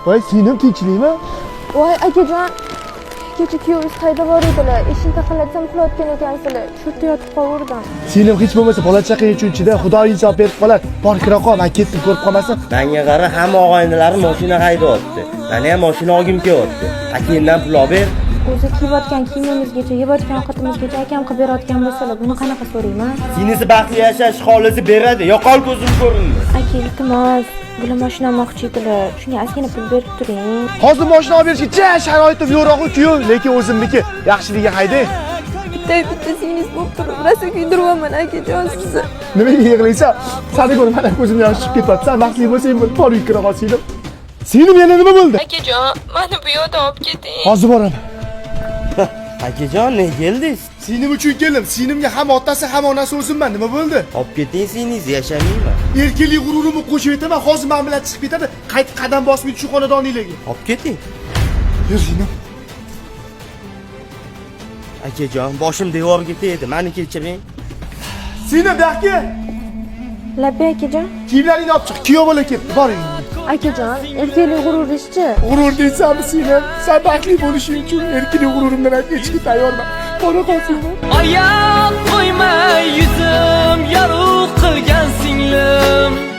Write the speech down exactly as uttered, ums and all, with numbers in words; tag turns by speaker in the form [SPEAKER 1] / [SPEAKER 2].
[SPEAKER 1] Voy, singlim tinchlikmi?
[SPEAKER 2] Voy akajon, kecha kuyovingiz qayda bor edilar? Eshikni taqallatsam uxlayotgan ekansizlar. Shu yerda yotib qoldim.
[SPEAKER 1] Singlim hech bo'lmasa bola chaqang uchun-chida Xudo insof berib qolar. Bor kira qol, men ketdim, ko'rib qolmasin.
[SPEAKER 3] Menga qara, hamma og'aynilari mashina haydayapti. Meni ham mashina olgim kelyapti. Akangdan pul olib ber.
[SPEAKER 2] O'zi kiyayotgan kiyimimizgacha, yeyotgan ovqatimizgacha akam qilib berayotgan bo'lsalar, buni qanaqa so'rayman?
[SPEAKER 3] Sinisi baxtli yashash xohlisi beradi. Yo'qol ko'zim ko'rindi.
[SPEAKER 2] Aka, iltimos, bular mashina olmoqchi edilar. Shunga ozgina pul berib turing.
[SPEAKER 1] Hozir mashina olib berishga ja sharoitim yo'q-ku kuyov, lekin o'zimniki. Yaxshiligiga hayday.
[SPEAKER 2] Bitta bitta singiz bo'lib turib, rosa kuydiryapman akajon sizni.
[SPEAKER 1] Nimaga yig'laysan? Seni ko'rib mana ko'zim yosh chiqib ketyapti. Sen baxtli bo'lsang, bir bor yukira qol singlim. Singlim yana nima bo'ldi?
[SPEAKER 2] Akajon, meni bu yoqda olib keting.
[SPEAKER 1] Hozir boraman.
[SPEAKER 3] Akajon, ne keldingiz?
[SPEAKER 1] Singlim uchun keldim. Singlimga ham otasi ham onasi o'zimman. Nima bo'ldi?
[SPEAKER 3] Olib keting singiz, yashamaymi?
[SPEAKER 1] Erkinlik g'ururimni qo'shib aytaman. Hozir men bilan chiqib ketadi. Qayt qadam bosmaydi shu xonadoninglarga.
[SPEAKER 3] Olib keting.
[SPEAKER 1] Yur singlim.
[SPEAKER 3] Akajon, boshim devorga tegdi. Meni kechiring.
[SPEAKER 1] Singlim, daqqa.
[SPEAKER 2] Labbi akajon.
[SPEAKER 1] Kiyimlaringni olib chiq. Kuyov bo'la ketdi. Boring.
[SPEAKER 2] Akajon, erkaklik g'urur deysiz-chi?
[SPEAKER 1] G'urur deysanmi singlim? Sen baxtli bo'lishing uchun erkinlik g'ururimdan aytishga tayyorman. Bora qol singlim.
[SPEAKER 4] Oyoq qo'ymay yuzim yorug' qilgan singlim.